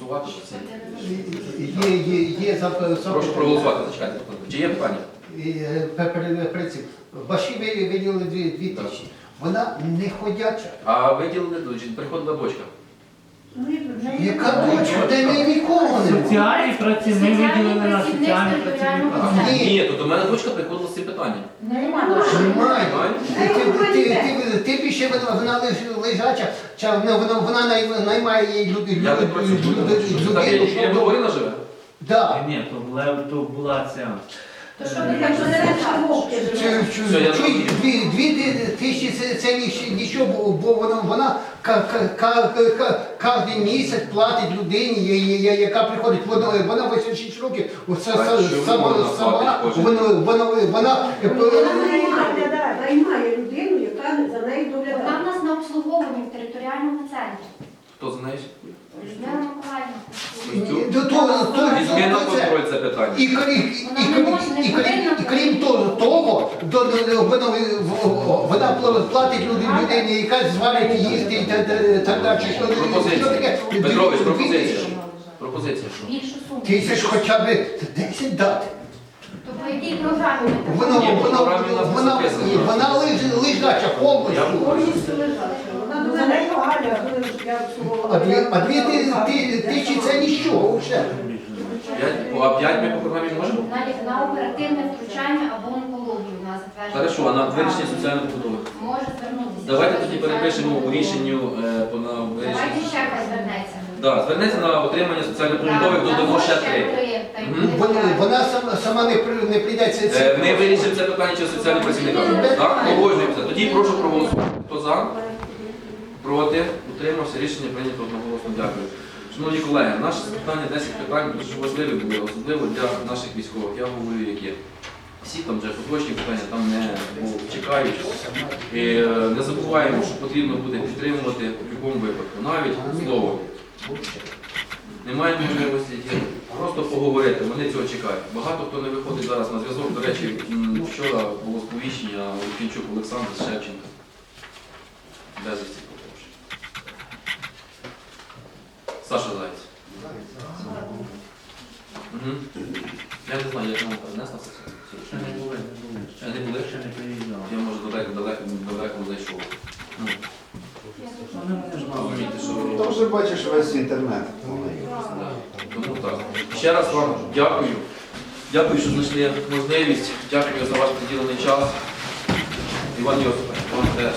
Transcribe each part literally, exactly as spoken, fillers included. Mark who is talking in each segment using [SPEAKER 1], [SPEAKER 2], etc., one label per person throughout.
[SPEAKER 1] проголосувати? Чи це?
[SPEAKER 2] Є, є, є за
[SPEAKER 1] Прошу проголосувати, зачекайте. Чи є питання?
[SPEAKER 2] принцип. Баші виділили дві, дві тисячі. Вона не ходяча.
[SPEAKER 1] А виділили дочі, приходила дочка.
[SPEAKER 2] Яка дочка? Де ми нікого не було.
[SPEAKER 3] Соціальні праці ми виділили на соціальні працівника.
[SPEAKER 2] Ні.
[SPEAKER 1] Ні, то до мене дочка приходила з цим питанням.
[SPEAKER 2] Немає. Ти, ти, ти, ти, ти більше вона, вона леж- лежача, чи вона, вона, вона най- наймає їй люди,
[SPEAKER 1] Я не
[SPEAKER 2] люди,
[SPEAKER 1] працюю.
[SPEAKER 2] люди,
[SPEAKER 1] Що так, я
[SPEAKER 2] людину,
[SPEAKER 1] я
[SPEAKER 2] щоб-
[SPEAKER 1] говорила живе?
[SPEAKER 2] Да.
[SPEAKER 3] Ні, то була, то була ця.
[SPEAKER 4] То що ви так що не
[SPEAKER 2] Чу- чу-
[SPEAKER 1] Все, я
[SPEAKER 2] чуй,
[SPEAKER 1] зрозумів.
[SPEAKER 2] Дві, дві ти- тисячі це, це ні- нічого, бо, бо вона, вона ка- ка- ка- ка- кожен місяць платить людині, я- я- я- яка приходить, вона, вона вісімдесят шість років, оце
[SPEAKER 1] А
[SPEAKER 2] са-
[SPEAKER 1] чому
[SPEAKER 2] сама,
[SPEAKER 1] вона
[SPEAKER 2] сама,
[SPEAKER 1] платить кожен?
[SPEAKER 2] вона, вона, вона,
[SPEAKER 5] Вона наймає, наймає людину, яка за нею
[SPEAKER 4] Вона в
[SPEAKER 5] доглядає.
[SPEAKER 4] нас на обслуговуванні в територіальному центрі.
[SPEAKER 1] Хто за нею?
[SPEAKER 4] Людмила Миколаївна.
[SPEAKER 2] Ні, то- то- то-
[SPEAKER 1] Візьми на
[SPEAKER 2] то це.
[SPEAKER 1] контроль це питання.
[SPEAKER 2] І, крім- і,
[SPEAKER 4] Вона не
[SPEAKER 2] крім-
[SPEAKER 4] може, не
[SPEAKER 2] і, крім-
[SPEAKER 4] повинна
[SPEAKER 2] і крім того, того до- до- вона, вона пла- платить люд- людині, яка зварить їсти і так далі, так далі. Що, що
[SPEAKER 1] Пропозиція.
[SPEAKER 2] таке?
[SPEAKER 1] Петрович,
[SPEAKER 2] Дві
[SPEAKER 1] пропозиція.
[SPEAKER 2] тисячі.
[SPEAKER 1] Пропозиція.
[SPEAKER 4] Більшу суму.
[SPEAKER 2] Тисяч хоча б десять дати.
[SPEAKER 4] То по якій програмі ми так?
[SPEAKER 2] Вона,
[SPEAKER 1] Ні,
[SPEAKER 2] вона,
[SPEAKER 1] програмі у нас не
[SPEAKER 2] вона,
[SPEAKER 1] записано.
[SPEAKER 2] ні, вона лиж- лежача повністю.
[SPEAKER 5] Повністю лежача. Вона за нею Галя, коли я обслуговувала.
[SPEAKER 2] А дві, а дві ти- ти- тисячі це нічого вже.
[SPEAKER 1] П'ять? А п'ять ми по програмі можемо?
[SPEAKER 4] На, на оперативне втручання або онкологію у нас затверджено.
[SPEAKER 1] Хорошо, а на вирішення соціальної побудови?
[SPEAKER 4] Може звернутися.
[SPEAKER 1] Давайте тоді перепишемо у рішенню е, по на
[SPEAKER 4] Давайте
[SPEAKER 1] вирішення.
[SPEAKER 4] ще хай звернеться.
[SPEAKER 1] Да, звернеться на отримання соціальної побудови, додамо ще три.
[SPEAKER 4] та й
[SPEAKER 1] Мгм.
[SPEAKER 4] буде
[SPEAKER 2] Вона,
[SPEAKER 4] так.
[SPEAKER 2] вона сама, сама не, при- не прийде це.
[SPEAKER 1] Е,
[SPEAKER 2] це-
[SPEAKER 1] Ми вирішимо це питання через соціальних працівників. Так, погоджуємося. Тоді прошу проголосувати. Хто за? Проти? Утримався. Рішення прийнято одноголосно. Дякую. Шановні колеги, наше питання десять питань дуже важливі були, особливо для наших військових. Я говорю, які. Всі там вже поточні питання там не бо чекають. І, е, не забуваємо, що потрібно буде підтримувати в будь-якому випадку, навіть слово. Немає можливості просто поговорити, вони цього чекають. Багато хто не виходить зараз на зв'язок. До речі, м, вчора було сповіщення Лукінчук Олександр з Шевченка. Безвісті пропавши. Саша Заєць. Угу. Я не знаю, як нам перенесла це.
[SPEAKER 3] Ще не були, не були.
[SPEAKER 1] Ще не були?
[SPEAKER 3] Ще не приїжджали.
[SPEAKER 1] Я може далеко, далеко, далеко зайшов. Ну,
[SPEAKER 3] Вони мене ж мали.
[SPEAKER 1] розумієте, що...
[SPEAKER 6] Ти вже бачиш весь інтернет.
[SPEAKER 1] Да. Тому так. Ще раз вам дякую. Дякую, що знайшли можливість. Дякую за ваш приділений час. Іван Йосипович, вам теж.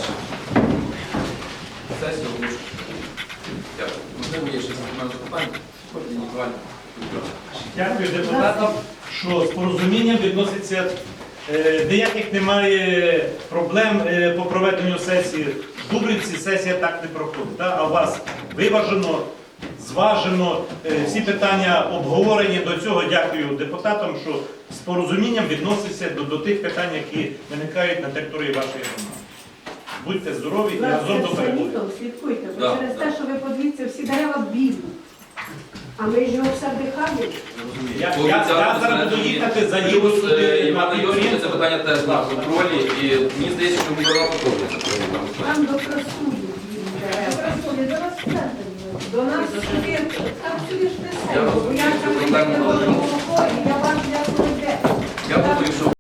[SPEAKER 1] Сесію оголошую. Дякую. Можливо, є ще запитання запитання. Ходіть, Ніколай.
[SPEAKER 7] Дякую депутатам, що з порозумінням відноситься. Е, Ніяких немає проблем е, по проведенню сесії. В Дубрівці сесія так не проходить. та? А у вас виважено, зважено, е, всі питання обговорені. До цього дякую депутатам, що з порозумінням відноситься до, до тих питань, які виникають на території вашої громади. Будьте здорові і разом до перемоги.
[SPEAKER 5] Літом слідкуйте, бо
[SPEAKER 1] Да,
[SPEAKER 5] через
[SPEAKER 1] да.
[SPEAKER 5] те, що ви подивіться, всі дерева білі. А ми ж його все вдихаємо.
[SPEAKER 7] Я, я, я зараз буду їхати, заїду
[SPEAKER 1] Плюс, е,
[SPEAKER 7] сюди на
[SPEAKER 1] Івана Йосиповича це
[SPEAKER 7] підприємство.
[SPEAKER 1] питання теж на контролі. І мені здається, що губернатор теж.
[SPEAKER 5] Там до красуні білі дерева. До нас сюди, там сюди ж
[SPEAKER 1] Я
[SPEAKER 5] несе. Бо я
[SPEAKER 1] розумію,
[SPEAKER 5] там
[SPEAKER 1] що проблема
[SPEAKER 5] не
[SPEAKER 1] була.
[SPEAKER 5] можу, і я вам дякую.
[SPEAKER 1] Я думаю, що